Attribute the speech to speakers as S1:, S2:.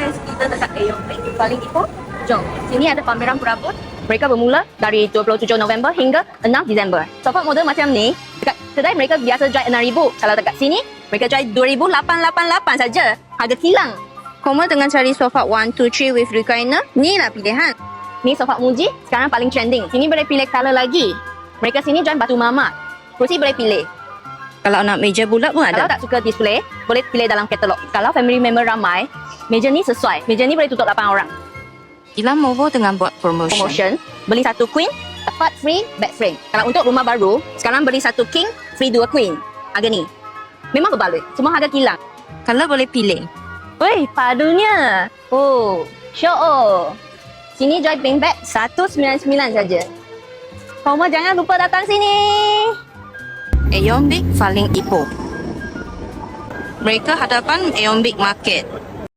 S1: guys, kita dekat Ayong paling Ipoh. Jom, sini ada pameran perabot. Mereka bermula dari 27 November hingga 6 Disember. Sofa model macam ni, dekat kedai mereka biasa jual 6,000. Kalau dekat sini, mereka jual 2,888 saja. Harga kilang. Koma dengan cari sofa 1, 2, 3 with recliner, ni lah pilihan. Ni sofa Muji, sekarang paling trending. Sini boleh pilih color lagi. Mereka sini jual batu mama. Kursi boleh pilih. Kalau nak meja bulat pun ada. Kalau tak suka display, boleh pilih dalam katalog. Kalau family member ramai, meja ni sesuai. Meja ni boleh tutup 8 orang.
S2: Ilam Movo dengan buat promotion.
S1: Beli satu queen, dapat free bed frame. Kalau untuk rumah baru, sekarang beli satu king, free 2 queen. Harga ni. Memang berbaloi. Semua harga kilang.
S2: Kalau boleh pilih.
S1: Woi, padunya. Oh, show oh. Sini jual pink bag 199 saja. Koma jangan lupa datang sini.
S2: Aeon Big paling Ipoh. Mereka hadapan Aeon Big Market.